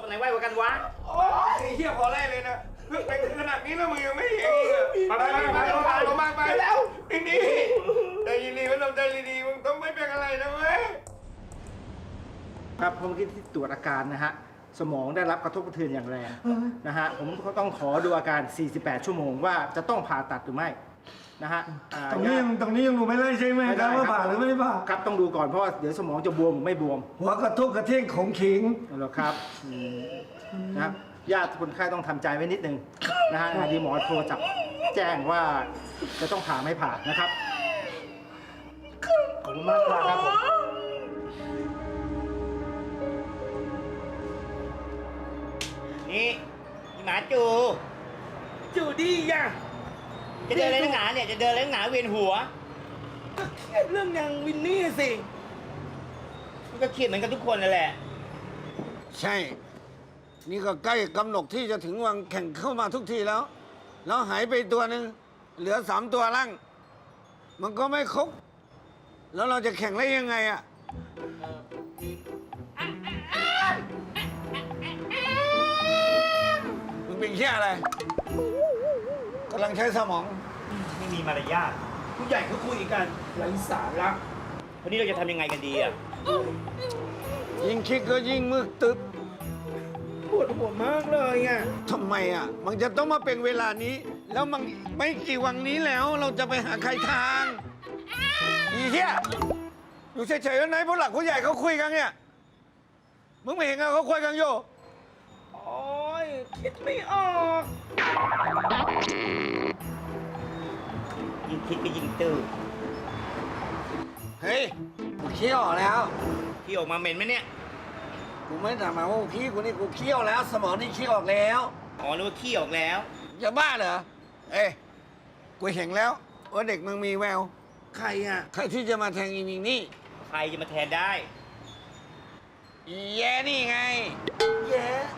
ไหนไวกว่ากันวะโอ้ยไอ้เหี้ยพอไล่เลยนะเพิ่งไปถึงขนาดนี้แล้วมึงยังไม่เห็นอีกอะไปลงมาไปแล้วไอ้นี่ใจดีๆมันต้องใจดีๆมึงต้องไม่เป็นอะไรนะเว้ยครับผมคิดที่ตรวจอาการนะฮะสมองได้รับกระทบกระเทือนอย่างแรงนะฮะผมก็ต้องขอดูอาการ 48 ชั่วโมงว่าจะต้องผ่าตัดหรือไม่นะฮะตรงนี้ยังดูไม่ได้ใช่ไหมครับว่าผ่าหรือไม่ผ่าครับต้องดูก่อนเพราะว่าเดี๋ยวสมองจะบวมหรือไม่บวมหัวกระทุกกระเที่ยงของขิงเหรอครับนะครับญาติคนไข้ต้องทำใจไว้นิดนึงนะฮะดีหมอโทรจับแจ้งว่าจะต้องผ่าไม่ผ่านะครับขอบคุณมากครับผมนี่หมาจูจูดี้ย่ะจะเดินอะไรนักหนาเนี่ยจะเดินอะไรนักหนาเวียนหัวก็เครียดเรื่องนางวินนี่สิมันก็เครียดเหมือนกันทุกคนนั่นแหละใช่ นี่ก็ใกล้กำหนดที่จะถึงวันแข่งเข้ามาทุกทีแล้ว แล้วหายไปตัวหนึ่งเหลือ3 ตัวล่าง มันก็ไม่ครบ แล้วเราจะแข่งได้ยังไงอ่ะมึงเป็นแค่อะไรกำลังใช้สมองไม่มีมารยาทผู้ใหญ่ก็คุยกันไร้สาระวันนี้เราจะทำยังไงกันดีอ่ะยิ่งคิดก็ยิ่งมึกตึ๊บปวดหัวมากเลยอ่ะทำไมอ่ะ มันจะต้องมาเป็นเวลานี้ แล้วมันไม่กี่วันนี้แล้ว เราจะไปหาใครทางอีเหี้ยอยู่เฉยๆแล้วไหนผู้หลักผู้ใหญ่เขาคุยกันเนี่ย มึงไม่เห็นไงเขาคุยกันอยู่โอ้ยคิดไม่ออกยิ่งคิดก็ยิ่งตื้อเฮ้ยกูเคี่ยวแล้วที่ออกมาเหม็นไหมเนี่ยกูไม่ถามมาว่าพี่กูนี่กูเคี่ยวแล้ว สมองนี่เคี่ยวออกแล้วอ๋อนึกว่าขี้ออกแล้วจะบ้าเหรอ เอ้ยกูเห็นแล้วว่าเด็กมึงมีแววใครอ่ะใครที่จะมาแทงอีมิงนี่ใครจะมาแทนได้อีแย่นี่ไงแย่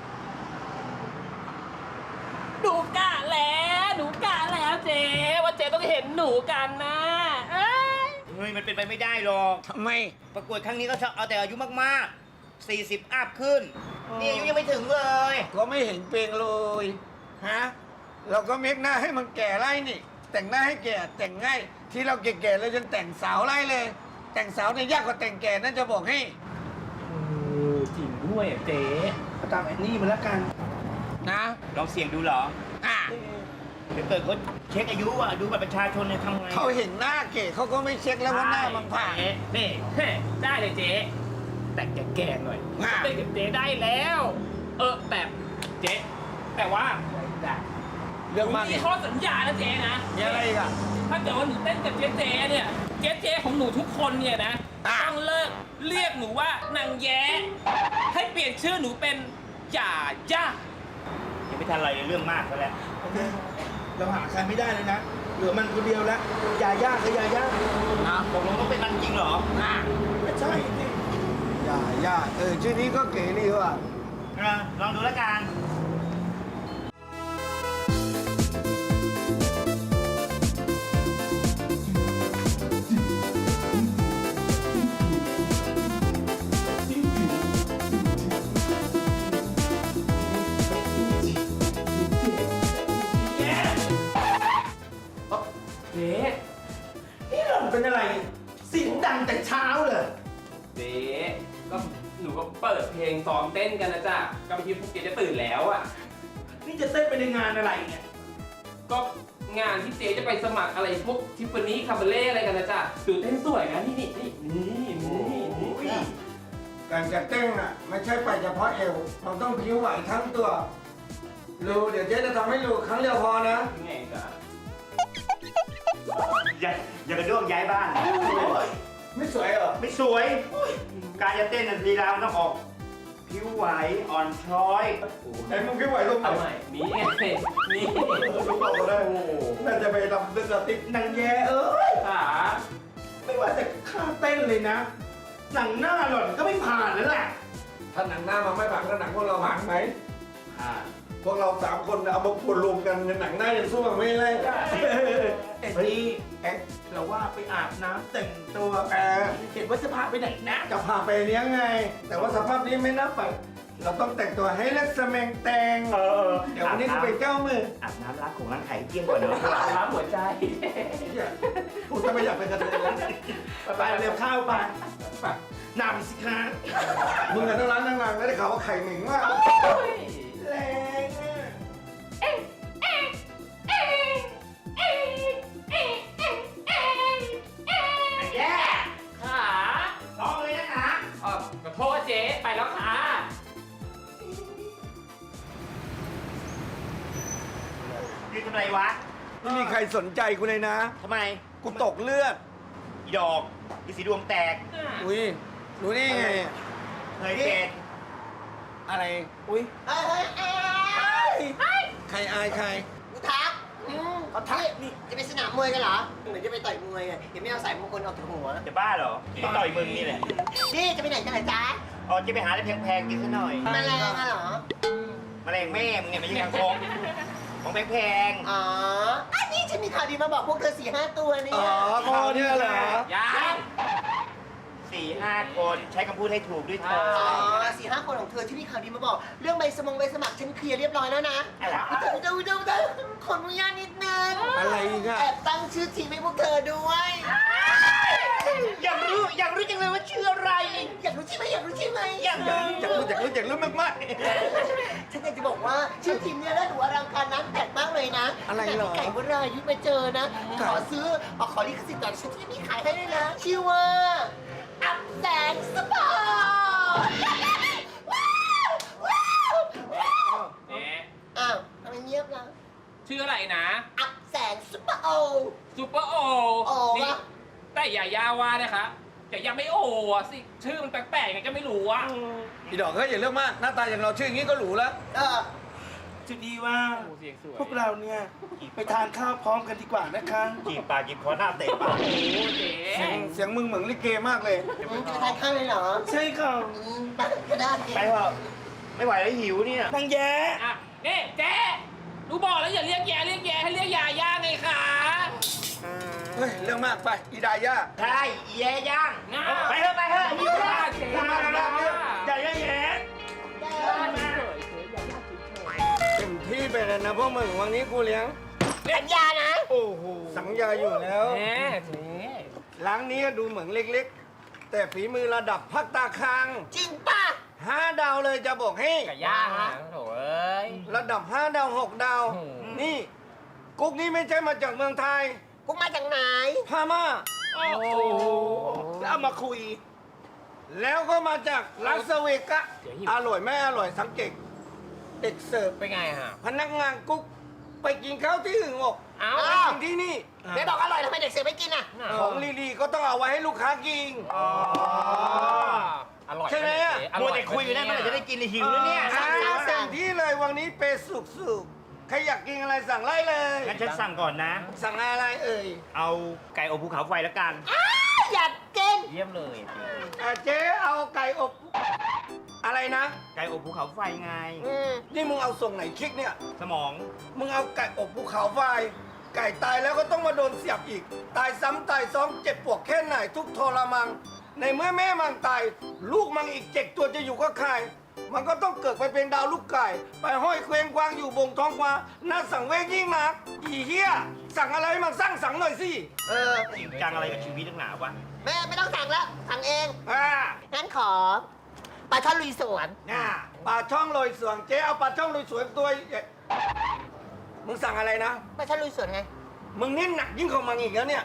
หนูกะแล้วเจ๊ว่าเจ๊ต้องเห็นหนูกันนะเอ้ยเฮ้ยมันเป็นไปไม่ได้หรอกทำไมประกวดครั้งนี้ก็เอาแต่อายุมากๆ 40 อัพขึ้น นี่อายุยังไม่ถึงเลยก็ไม่เห็นเป็นเลยฮะเราก็เมคหน้าให้มันแก่ไล่นี่ แต่งหน้าให้แก่แต่งง่ายที่เราแก่ๆเลยจนแต่งสาวไล่เลย แต่งสาวเนี่ยยากกว่าแต่งแก่นั่นจะบอกให้จริงด้วยอ่ะเจ๊ตามแอนนี่มาแล้วกันนะลองเสี่ยงดูเหรออ่ะเดี๋ยวเกิดเขาเช็คอายุอ่ะ ดูบัตรประชาชนเนี่ยทำไงเขาเห็นหน้าเก๋เขาก็ไม่เช็คแล้วว่าหน้ามันผ่านเจ๊นี่ได้เลยเจ๊แต่งแก่ๆหน่อยอ่ะเต้นกับเจ๊ได้แล้ว แบบเจ๊แต่ว่าเรื่องมากมีข้อสัญญานะเจ๊นะมีอะไรอีกอ่ะถ้าเกิดว่าหนูเต้นกับเจ๊เนี่ยเจ๊ของหนูทุกคนเนี่ยนะอ่ะต้องเลิกเรียกหนูว่านางแย้ให้เปลี่ยนชื่อหนูเป็นจ่าย่ายังไม่ทันอะไรเลยเรื่องมากซะแล้วโอเค เราหาใครไม่ได้เลยนะ เหลือมันคนเดียวแล้วยาย่ากับยาย่าตกลงต้องเป็นมันจริงเหรอไม่ใช่สิย่าชื่อนี้ก็เก๋ดีว่ะลองดูแล้วกันเจ๊นี่เราเป็นอะไรเสียงดังแต่เช้าเลยเจ๊ก็หนูก็เปิดเพลงซ้อมเต้นกันนะจ๊ะก็บางทีพวกเจ๊จะตื่นแล้วอ่ะนี่จะเต้นไปในงานอะไรเนี่ยก็งานที่เจ๊จะไปสมัครอะไรพวกทิฟฟานี่คาเบเล่อะไรกันนะจ๊ะดูเต้นสวยนะนี่การจะเต้นอ่ะไม่ใช่ไปเฉพาะเอวเราต้องผิวไหวทั้งตัวรู้เดี๋ยวเจ๊จะทำให้รู้ครั้งเดียวพอนะไงจ๊ะอย่ากระโดดย้ายบ้านไม่สวยเหรอไม่สวย การจะเต้นลีลามันต้องออก ผิวไหวอ่อนช้อยไอ้มึงผิวไหวลงไหนทำไมนี่ไงนี่รู้บอกก็ได้น่าจะไปทำเป็นสติ๊กนางแย่เอ้ยขาไม่ว่าแต่ค่าเต้นเลยนะ หนังหน้าหล่อนก็ไม่ผ่านแล้วแหละถ้าหนังหน้ามันไม่ผ่านก็หนังพวกเราผ่านไหมอ่าพวกเรา3 คนเอามาปนรวมกันในหนังหน้ายังสู้มันไม่ได้เอ็ดดี้เอ็ดเราว่าไปอาบน้ำแต่งตัวเห็นว่าจะพาไปไหนนะจะพาไปเลี้ยงไง แต่ว่าสภาพนี้ไม่น่าไปเราต้องแต่งตัวให้ลักษณะแตงเดี๋ยววันนี้จะไปเจ้ามืออาบน้ำล้างของล้างไข่เที่ยงก่อนเนอะล้างหัวใจกูจะไม่อยากเป็นกระเทยแล้วไปเร็วข้าวไปไปนำสิคะมึงกับทั้งร้านทั้งนางแล้วได้ข่าวว่าไข่เหม็นมากแรงอะแย่ขาร้องเลยนะคะขอโทษเจ๊ไปแล้วค่ะยืนทำไรวะไม่มีใครสนใจกูเลยนะทำไมกูตกเลือดอีดอกอีสีดวงแตกอุ้ยรู้ได้ไงอะเคยเป็นอะไร อุ้ยเฮ้ยใครอายใครกูทักเขาทักนี่จะไปสนามมวยกันเหรอ เหมือนจะไปต่อยมวยไงเห็นไม่เอาใส่มงคลออกจากหัวจะบ้าเหรอที่ต่อยมึงนี่แหละนี่จะไปไหนกันเหรอจ๊ะอ๋อจะไปหาอะไรแพงๆกินซะหน่อยแมลงอะเหรอแมลงแม่มึงเนี่ยไม่ใช่คางคกของแพงอ๋ออันนี้ฉันมีข่าวดีมาบอกพวกเธอ4-5 ตัวเนี่อ๋ยอคอเนี่ยเหรอยังๆ 4-5 คนใช้คำพูดให้ถูกด้วยเธออ๋อ4-5 คนของเธอที่มีข่าวดีมาบอก เรื่องใบสมัครฉันเคลียร์เรียบร้อยแล้วนะอะไรวะดูขออนุญาตนิดนึงอะไรอีกอะแอบตั้งชื่อทีมให้พวกเธอด้วยอยากรู้จังเลยว่าชื่ออะไรอยากรู้ใช่ไหมอยากรู้ใช่ไหมอยากรู้อยากรู้มากฉันอยากจะบอกว่าชื่อทีมเนี่ยน่าดูอลังการนั้นแปลกมากเลยนะอะไรเหรอขนาดที่ไก่วรายุทธมาเจอนะ ขอซื้อขอลิขสิทธิ์แต่ฉันที่มีขายให้ด้วยนะ ชื่อว่าอัพแสงสปอร์ตว้าวว้าวว้าวเอ๊ะอ้าวทำไมเงียบล่ะชื่ออะไรนะอัพแสงสปอร์ตซูเปอร์โอโอนี่วะแต่อย่าว่านะคะแต่ยังไม่โออ่ะสิ ชื่อมันแปลกๆไงก็ไม่รู้อ่ะๆอีดอกก็อย่าเรื่องมาก หน้าตาอย่างเราชื่ออย่างนี้ก็หรูแล้วเออจุดดีว่าโอ้เสียงสวยพวกเราเนี่ยไปทานข้าวพร้อมกันดีกว่านะคะจีบปากจีบคอหน้าเตะปากโอ้เจ๊เสียงมึงเหมือนลิเกมากเลยจะทานข้าวเลยเหรอใช่ค่ะไปก็ได้ไปเถอะไม่ไหวแล้วหิวเนี่ยนางแย้อ่ะนี่เจ๊ดูบอกแล้วอย่าเรียกแย่ให้เรียกยาย่าไงคะเฮ้ย เรื่องมากไป อีดาย่าใช่อีแย่ย่างง่าไปเถอะหิวแล้วเจ๊พูดมาแล้วเนี่ยอย่าแย่เต็มที่ไปเลยนะพวกมึงวันนี้กูเลี้ยงสัญญานะโอ้โห สัญญาอยู่แล้วเจ๊เจ๊ร้านนี้ดูเหมือนเล็กๆ แต่ฝีมือระดับพักตาคางจริงป่ะ 5 ดาวเลยจะบอกให้ไก่ย่างนะโถ่เอ้ยระดับ 5 ดาว 6 ดาวโอ้โหนี่ กุ๊กนี้ไม่ใช่มาจากเมืองไทยกูมาจากไหนพม่าโอ้โหแล้วเอามาคุยแล้วก็มาจากลาสเวกัสเดี๋ยวหิวอร่อยไม่อร่อยสังเกตเด็กเสิร์ฟเป็นไงฮะพนักงานกุ๊กไปกินข้าวที่อื่นบอกเอ้าไปกินที่นี่ไม่บอกอร่อยทำไมเด็กเสิร์ฟไม่กินอ่ะของลีๆก็ต้องเอาไว้ให้ลูกค้ากินอร่อยใช่ไหมอะอมัร่วอยแต่คุยอยู่นั่นเมื่อไหร่จะได้กินหิวแล้วเนี่ยเต็มที่เลยวันนี้เปย์สุกๆใครอยากกินอะไรสั่งไล่เลยงั้นฉันสั่งก่อนนะสั่งอะไรเอ่ยเอาไก่อบภูเขาไฟแล้วกันอยากกินเยี่ยมเลยเจ๊เอาไก่อบอะไรนะไก่อบภูเขาไฟไงนี่มึงเอาส่งไหนคลิกเนี่ยสมองมึงเอาไก่อบภูเขาไฟ ไก่ตายแล้วก็ต้องมาโดนเสียบอีก ตายซ้ำตายซ้อนเจ็บปวดแค่ไหนทุกทรมัง ในเมื่อแม่มันตาย ลูกมันอีก7 ตัวจะอยู่ก็ใคร มันก็ต้องเกิดไปเป็นดาวลูกไก่ ไปห้อยเคว้งคว้างอยู่บงท้องฟ้าน่าสังเวชยิ่งนัก อีเหี้ย สั่งอะไรให้มันสร้างสังหน่อยสิเออจริงจังอะไรกับชีวิตนักหนาวะแม่ไม่ต้องสั่งแล้ว สั่งเองอ่างั้นขอปลาช่อนลุยสวนน่าปลาช่องโรยสวนเจ๊เอาปลาช่องโรยสวนตัวใหญ่มึงสั่งอะไรนะปลาช่อนลุยสวนไงมึงนี่หนักยิ่งของมันอีกแล้วเนี่ย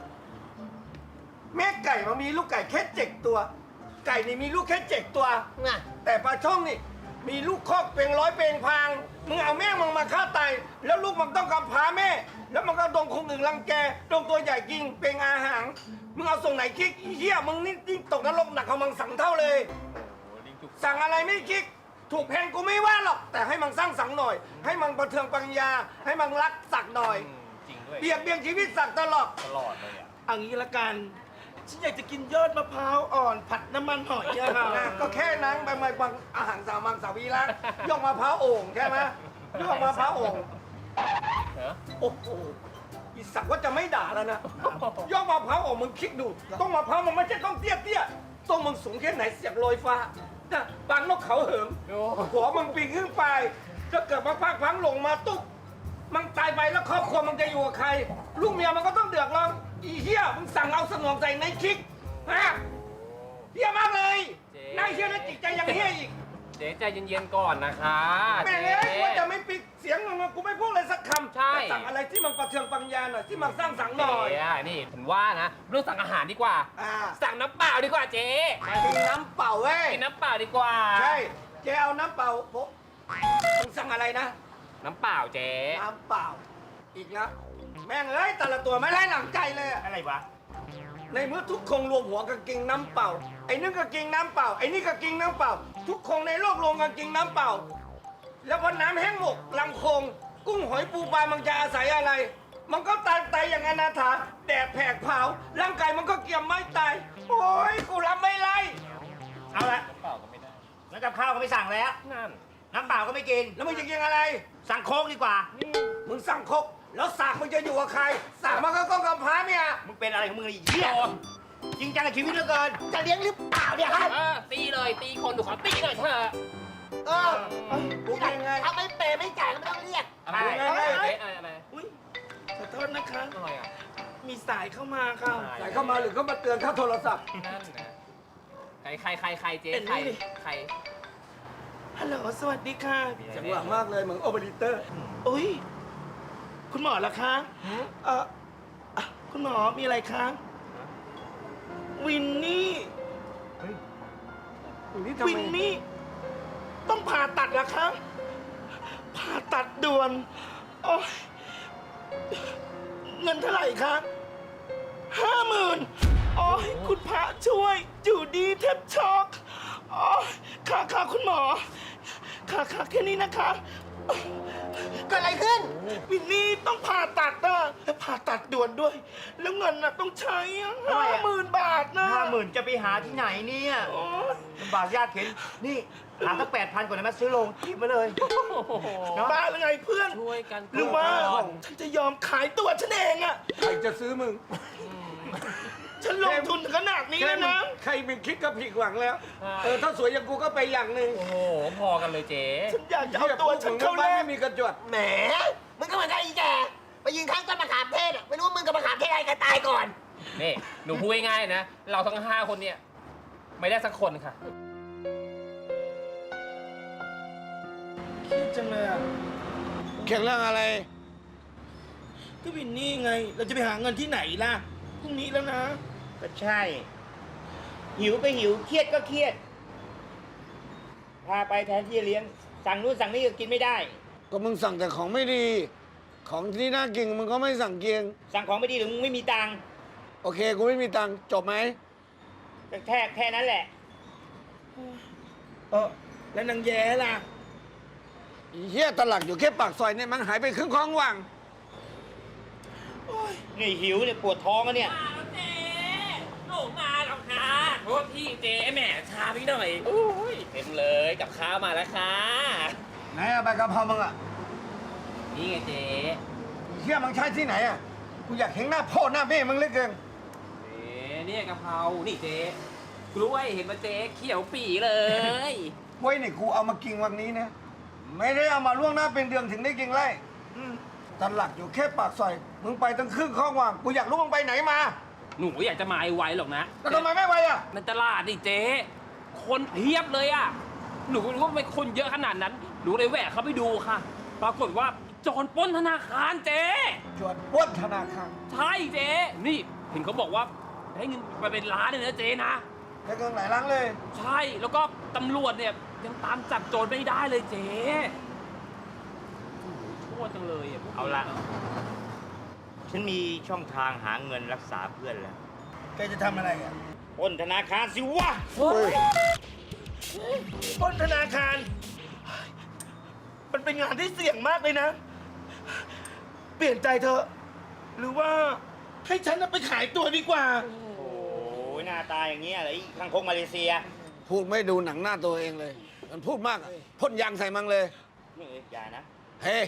แม่ไก่มันมีลูกไก่แค่7 ตัว ไก่นี่มีลูกแค่7 ตัวน่ะแต่ปลาช่องนี่มีลูกคอกเป็นร้อยเป็นพาง มึงเอาแม่มึงมาฆ่าตายแล้วลูกมันต้องกำพร้าแม่ แล้วมันก็โดนคนอื่นรังแกโดนตัวใหญ่กินเป็นอาหาร มึงเอาส่งไหนคิกอีเหี้ยมึงนี่ยิ่งตกนรกหนักของมึงสั่งเท่าเลย สั่งอะไรไม่คิก ถูกแพงกูไม่ว่าหรอก แต่ให้มันสร้างสังหน่อย ให้มันประเทืองปัญญา ให้มันรักสักหน่อยจริงด้วยเบียดเบียนชีวิตสักตลอดตลอดเลยอ่ะเอางี้ละกัน ฉันอยากจะกินยอดมะพร้าวอ่อน ผัดน้ำมันหอยอะค่ะนะก็แค่นั้นไปมาบางอาหารสามัญสาวีรักย่องมะพร้าวโอ่งใช่ไหมย่องมะพร้าวโอ่งเหรอโอ้โหอีสักว่าจะไม่ด่าแล้วนะย่องมะพร้าวโอ่งมึงคิดดูต้องมะพร้าวมันไม่ใช่ต้องเตี้ยๆต้องมึงสูงแค่ไหนเสียบลอยฟ้านะฟังนกเขาเหิมหัวมึงปีนขึ้นไปถ้าเกิดมาพักพังลงมาตุ๊กมันตายไปแล้วครอบครัวมันจะอยู่กับใคร ลูกเมียมันก็ต้องเดือดร้อนอีเหี้ยมึงสั่งเอาสมองใส่ในคิกฮะเหี้ยมากเลยนายเหี้ยแล้วจิตใจยังเหี้ยอีกเจ๊ใจเย็นๆก่อนนะคะแม่งเจ๊เอ้ยกูว่าจะไม่ปิดเสียงมึงกูไม่พูดเลยสักคำใช่แต่สั่งอะไรที่มันประเทืองปัญญาหน่อยที่มันสร้างสรรค์หน่อยเจ๊อะนี่ผมว่านะเรื่องสั่งอาหารดีกว่าอ่าสั่งน้ำเปล่าดีกว่าเจ๊กินน้ำเปล่าเว้ยกินน้ำเปล่าดีกว่าใช่เจ๊เอาน้ำเปล่าโพมึงสั่งอะไรนะน้ำเปล่าเจ๊น้ำเปล่า อีกนะแม่งเอ้ยแต่ละตัวไม่ได้หลังใจเลยอะอะไรวะในเมื่อทุกคงรวมหัวกันกินน้ำเปล่า ไอ้นึงก็กินน้ำเปล่า ไอ้นี่ก็กินน้ำเปล่า ทุกคงในโลกรวมกันกินน้ำเปล่า แล้วพอน้ำแห้งหมกลำคง กุ้งหอยปูปลามันจะอาศัยอะไร มันก็ตายอย่างอนาถาแดดแผกเผาร่างกายมันก็เกี่ยมไม่ตาย โอ้ยกูรับไม่ไล่เอาละน้ำเปล่าก็ไม่ได้แล้วกับข้าวก็ไม่สั่งแล้วนั่นน้ำเปล่าก็ไม่กินแล้วมึงจะกินอะไรสั่งโค้กดีกว่ามึงสั่งครกแล้วสากมึงจะอยู่กับใครสากมันก็ต้องกำพร้าเนี่ยมึงเป็นอะไรของมึงไอ้เหี้ยจริงจังกับชีวิตเหลือเกินจะเลี้ยงหรือเปล่าเนี่ยฮะตีเลยตีคนดูขอตีหน่อยเถอะเออกูเป็นไงถ้าไม่เปย์ไม่จ่ายก็ไม่ต้องเรียกอะไรเอาไงเจ๊อะไรอุ้ยขอโทษนะคะอะไรอ่ะมีสายเข้ามาค่ะใส่เข้ามาหรือเขามาเตือนค่าโทรศัพท์นั่นนะใครเจ๊เป็นใครนี่ใครฮัลโหล สวัสดีค่ะจังหวะมากเลยเหมือนโอเปอเรเตอร์อุ้ย คุณหมอเหรอคะคุณหมอมีอะไรคะ วินนี่นี่ทำวิไมนนี่ ต้องผ่าตัดเหรอคะ ผ่าตัดด่วน โอ้ยเงินเท่าไหร่คะ50,000โอ้ยคุณพระช่วยอยู่ดีแทบช็อกโอ้ยค่ะคุณหมอ ค่ะแค่นี้นะคะเกิดอะไรขึ้นวินนี่ต้องผ่าตัดนะและผ่าตัดด่วนด้วย แล้วเงินน่ะต้องใช้50,000 บาทนะ 50,000จะไปหาที่ไหนเนี่ยโอ้ยลำบากยากเข็นนี่หาสัก8,000ก่อนนะมาซื้อโรงทิปมาเลยเนาะบ้าหรือไงเพื่อนช่วยกันหรือว่าฉันจะยอมขายตัวฉันเองอะใครจะซื้อมึงฉันลงทุนถึงขนาดนี้แล้วนะใครเป็นคิดก็ผิดหวังแล้ว ถ้าสวยอย่างกูก็ไปอย่างหนึ่งโอ้โหพอกันเลยเจ๊ฉันอยากจะเอาตัวฉันเข้าแลไม่กมีกระจวดแหม มึงก็เหมือนกันอีแกไปยืนข้างต้นมะขามเทศอะไม่รู้ว่ามึงกับมะขามเทศอะไรกันตายก่อนนี่หนูพูดง่ายๆนะ เราทั้ง5 คนเนี่ย ไม่ได้สักคนค่ะเครียดจังเลยอะแข่งเรื่องอะไรก็วินนี่ไง เราจะไปหาเงินที่ไหนล่ะ พรุ่งนี้แล้วนะก็ใช่ หิวก็หิว เครียดก็เครียด พาไปแทนที่จะเลี้ยง สั่งนู่นสั่งนี่ก็กินไม่ได้ก็มึงสั่งแต่ของไม่ดี ของที่น่ากินมึงก็ไม่สั่งเกียงสั่งของไม่ดีหรือมึงไม่มีตังค์โอเค กูไม่มีตังค์จบไหมก็แค่นั้นแหละแล้วนางแย้ล่ะอีเหี้ยตลักอยู่แค่ปากซอยเนี่ยมันหายไปครึ่งคลองว่างนี่หิวเนี่ยปวดท้องแล้วเนี่ยมาแล้วเจ๊หนูมาแล้วค่ะโทษที่เจ๊แหมช้าพี่หน่อยอุ้ยเต็มเลยกับข้าวมาแล้วค่ะไหนอะใบกะเพรามึงอะนี่ไงเจ๊เหี้ยมึงใช้ที่ไหนอะกูอยากเห็นหน้าพ่อหน้าแม่มึงเหลือเกินเจ๊เนี่ยกะเพรา นี่เจ๊กล้วยเห็นไหมเจ๊เขียวปีเลยไว้นี่กูเอามากินวันนี้นะ ไม่ได้เอามาล่วงหน้าเป็นเดือนถึงได้กินไล่ตลักอยู่แค่ปากซอย มึงไปตั้งครึ่งคลองว่าง กูอยากรู้มึงไปไหนมาหนูอยากจะมาไวๆหรอกนะแล้วทำไมไม่ไปอะในตลาดนี่เจ๊คนเพียบเลยอ่ะ หนูก็รู้ว่าทำไมคนเยอะขนาดนั้น หนูเลยแหวกเข้าไปดูค่ะ ปรากฏว่าโจรปล้นธนาคารเจ๊จวดปล้นธนาคารใช่เจ๊นี่เห็นเขาบอกว่าได้เงินไปเป็นล้านเลยนะเจ๊นะได้เงินหลายล้านเลยใช่แล้วก็ตำรวจเนี่ยยังตามจับโจรไม่ได้เลยเจ๊โอ้โหชั่วจังเลยอ่ะพวกนี้เอาละ ฉันมีช่องทางหาเงินรักษาเพื่อนแล้วแกจะทำอะไรอ่ะปล้นธนาคารสิวะเฮ้ยปล้นธนาคาร มันเป็นงานที่เสี่ยงมากเลยนะ เปลี่ยนใจเถอะ หรือว่าให้ฉันน่ะไปขายตัวดีกว่าโอ้ยหน้าตาอย่างเงี้ยเหรอไอ้ข้างคกมาเลเซียพูดไม่ดูหนังหน้าตัวเองเลย มันพูดมากอะพ่นยางใส่มังเลยนี่อย่านะเฮ้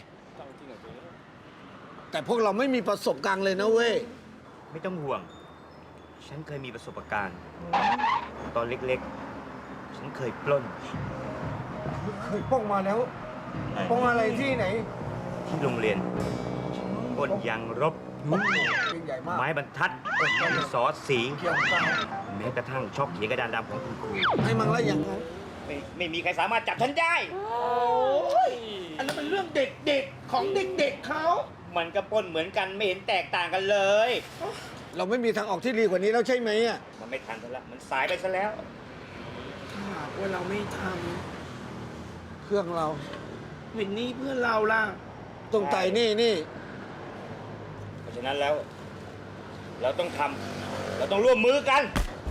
แต่พวกเราไม่มีประสบการณ์เลยนะเว้ยไม่ต้องห่วง ฉันเคยมีประสบการณ์ ตอนเล็กๆฉันเคยปล้นเคยป้องมาแล้วป้องอะไรที่ไหนที่โรงเรียนปล้นยางรบใหญ่มากไม้บรรทัดดินสอสีเกี่ยวกับแม้กระทั่งช็อกเขียนกระดานดำของคุณครูให้มังละอย่างนั้นไม่มีใครสามารถจับฉันได้อันนั้นเป็นเรื่องเด็กๆของเด็กๆเขามันก็ปล้นเหมือนกันไม่เห็นแตกต่างกันเลยเราไม่มีทางออกที่ดีกว่านี้แล้วใช่ไหมอ่ะมันไม่ทันซะแล้วมันสายไปซะแล้วถ้าหากว่าเราไม่ทเครื่องเราำวินนี่เพื่อนเราล่ะต้องไต่นี่เพราะฉะนั้นแล้ว เราต้องทำเราต้องร่วมมือกัน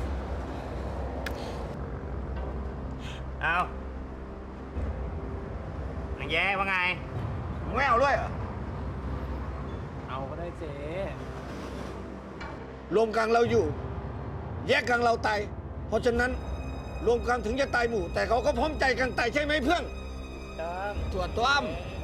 เอานางแย้ว่าไงไม่เอาด้วยเหรอเอาก็ได้เจ๊รวมกลางเราอยู่ แยกกลางเราตาย เพราะฉะนั้นรวมกันถึงจะตายหมู่ แต่เขาก็พร้อมใจกันตายใช่ไหมเพื่อนต้องตัวต้อมเ